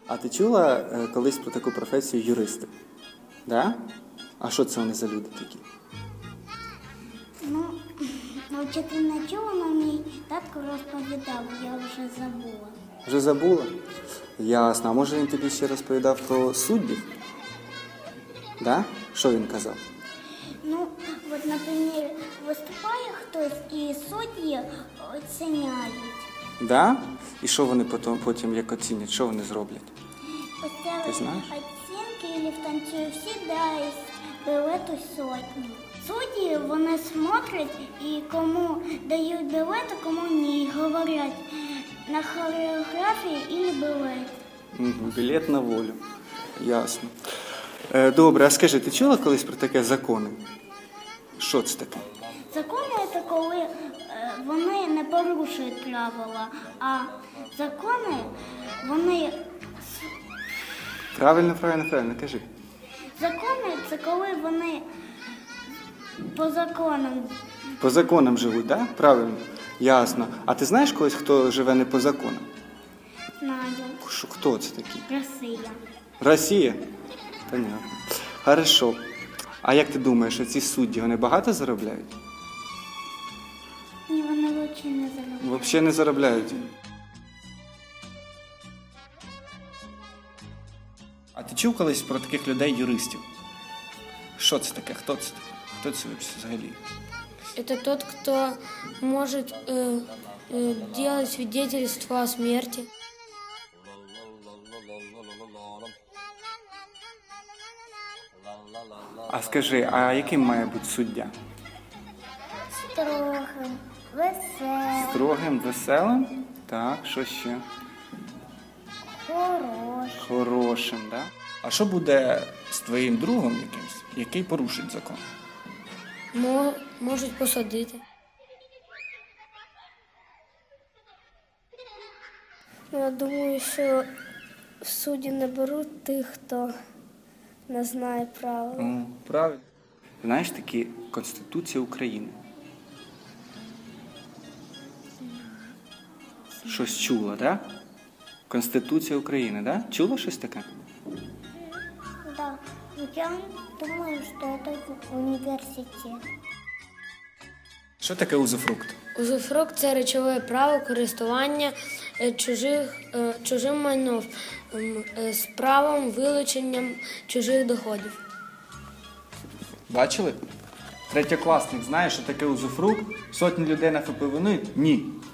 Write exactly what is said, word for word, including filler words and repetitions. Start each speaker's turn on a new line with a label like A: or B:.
A: А ти чула е, колись про таку професію юристи? Да? А що це вони за люди такі?
B: Ну, навчити не чула, але мій татко розповідав, я вже забула.
A: Вже забула? Ясно. А може він тобі ще розповідав про суддів? Да? Що він казав?
B: Ну, от, наприклад, виступає хтось і судді оціняють.
A: Да? І що вони потім, потім як оцінять? Що вони зроблять?
B: Поставили
A: Ти знаєш?
B: оцінки і в танцює всі дають білету сотні. Судді, вони смотрять і кому дають білети, кому ні. Говорять на хореографії і білет.
A: Угу. Білет на волю. Ясно. Е, добре, а скажи, ти чула колись про таке закони? Що це таке?
B: Закони – це коли е, вони не порушують правила, а закони, вони...
A: Правильно, правильно, правильно, кажи.
B: Закони – це коли вони по законам.
A: По законам живуть, так? Да? Правильно. Ясно. А ти знаєш когось, хто живе не по законам?
B: Знаю.
A: Що, хто це такий?
B: Росія.
A: Росія? Понятно. Хорошо. А як ти думаєш, ці судді, вони багато заробляють?
B: Ні, вони взагалі не заробляють.
A: Взагалі не заробляють. А ти чув колись про таких людей-юристів? Що це таке? Хто це? Хто це взагалі?
C: Это тот, кто может э, э, делать свидетельство о смерти.
A: А скажи, а яким має бути суддя?
B: Строгим, веселим,
A: Строгим, веселим? Так, що ще?
B: хорошим.
A: Хорошим, так? Да? А що буде з твоїм другом якимсь, який порушить закон?
C: Мо, можуть посадити.
D: Я думаю, що судді не беруть тих, хто не знає правил.
A: О, правильно. Знаєш, такі Конституція України. Щось чула, так? Да? Конституція України, так? Да? Чула щось таке?
B: Да. Я думаю, что это университет.
A: Що таке узуфрукт?
C: Узуфрукт – це речове право користування е, чужих, е, чужим майном ем, е, з правом вилученням чужих доходів.
A: Бачили? Третьокласник знає, що таке узуфрукт? Сотні людей на ФП винують? Ні.